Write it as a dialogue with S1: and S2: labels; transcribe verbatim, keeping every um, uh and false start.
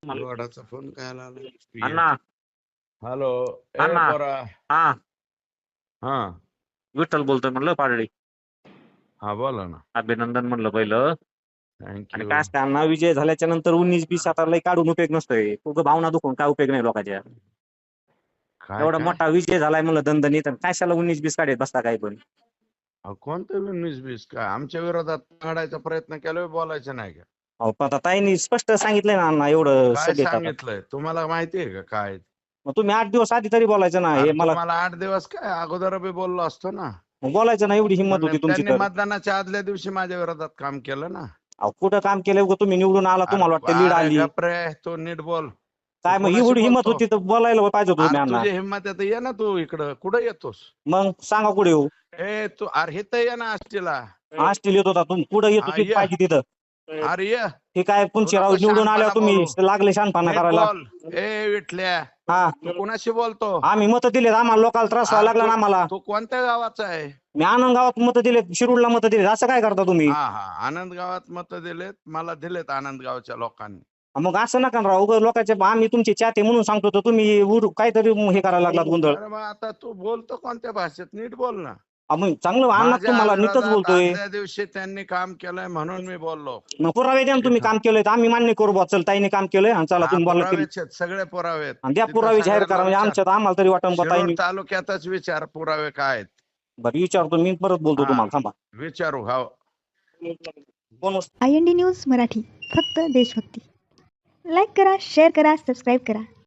S1: मला
S2: गोडाचा फोन काय आला
S1: अण्णा
S2: हॅलो ए
S1: अण्णा
S2: पोरा
S1: हा
S2: हा
S1: विठ्ठल बोलतोय म्हणलं पाडळी.
S2: हा बोला ना.
S1: अभिनंदन म्हणलं पहिलं. आणि
S2: थँक्यू.
S1: काय असतं अण्णा, विजय झाल्याच्या नंतर उन्नीस बीस आता लय काढून उपयोग नसतोय. उगं भावना दुखून काय उपयोग नाही लोकांच्या.
S2: काय
S1: एवढा
S2: काय
S1: मोठा विजय झालाय म्हणलं दणदणीत, आणि कशाला उन्नीस बीस काढत बसता काय पण.
S2: अहो, कोणतं उन्नीस बीस काय आमच्या विरोधात काढायचा प्रयत्न केला, बोलायचं नाही का?
S1: अहो पण आता ताईंनी स्पष्ट सांगितलंय ना अण्णा, एवढं
S2: काय
S1: सभेत आता.
S2: सांगितलंय तुम्हाला माहिती आहे का काय?
S1: मग तुम्ही आठ दिवस आधी तरी बोलायचं ना. हे
S2: अरे
S1: मला
S2: तुम्हाला आठ दिवस काय अगोदर बी बोललो असतो ना.
S1: मग बोलायचं ना, एवढी हिंमत
S2: पण
S1: होती तुमची
S2: त्यांनी
S1: तर.
S2: मतदानाच्या आदल्या दिवशी माझ्या विरोधात काम केलं ना.
S1: अहो कुठं काम केलंय उगं, तुम्ही निवडून आला तुम्हाला
S2: अरे
S1: वाटतं लीड
S2: अरे
S1: आली.
S2: गप रे, तू नीट बोल. तू
S1: काय मग
S2: कोणाशी
S1: एवढी हिंमत
S2: बोलतो?
S1: होती तर बोलायला पाहिजे होतं तुम्ही
S2: अरे
S1: अण्णा.
S2: तुझी हिंमत आहे तर ये ना तू इकडं. कुठं येतोस?
S1: मग सांगा कुठे येऊ.
S2: ए तू अरे हे तर ये ना आष्टीला.
S1: आष्टील येत होता तुम्ही, कुठं येत
S2: हा,
S1: होती
S2: ये.
S1: पाहिजे तिथं.
S2: अरे ये.
S1: हे काय
S2: तू
S1: पुंचीराव
S2: नको
S1: निवडून आल्यावर
S2: शहाणपणा
S1: तुम्ही
S2: करू.
S1: लागले शहाणपणा
S2: नीट
S1: करायला.
S2: बोल. ए विठल्या,
S1: हा
S2: तू कोणाशी बोलतो?
S1: आम्ही मत दिलेत, आम्हाला लोकांना त्रास व्हायला
S2: अरे
S1: लागला ना
S2: तू
S1: आम्हाला.
S2: तू कोणत्या गावाचा आहे?
S1: मी आनंद गावात मत दिलेत, शिरूरला मत दिलेत, असं काय करता तुम्ही?
S2: हा हा आनंद गावात मत दिलेत, मला दिलेत आनंद गावच्या लोकांनी.
S1: मग असं नका ना राव, उगाच लोकांचे आम्ही तुमचे चाहते म्हणून सांगतो, तर तुम्ही उर- काहीतरी हे करायला लागलात गोंधळ.
S2: अरे मग आता तू बोलतो कोणत्या भाषेत? नीट बोल ना.
S1: मग चांगलं अण्णा
S2: माझ्या
S1: तुम्हाला नीटच
S2: विरोधात
S1: बोलतोय.
S2: आदल्या दिवशी त्यांनी काम केलंय म्हणून मी बोललो.
S1: मग पुरावे द्या ना, तुम्ही काम केलंय तर आम्ही मान्य करू बा. चल ताईने काम केलंय आणि चला
S2: हा
S1: तुम्ही बोलला तरी.
S2: पुरावेच आहेत, सगळे पुरावे आहेत.
S1: आणि द्या
S2: तिथं
S1: पुरावे जाहीर
S2: सगळ्यांना
S1: करा, म्हणजे
S2: विचार.
S1: आमच्यात आम्हाला तरी वाटण बा
S2: शिरूर
S1: ताईंनी.
S2: तालुक्यातच विचार पुरावे काय आहेत.
S1: बरं विचारतो मी, परत बोलतो
S2: हा
S1: तुम्हाला, थांबा.
S2: विचारू. हा
S1: कोण
S3: I N D news Marathi, फक्त देशभक्ती. लाईक करा, शेअर करा, सबस्क्राईब करा.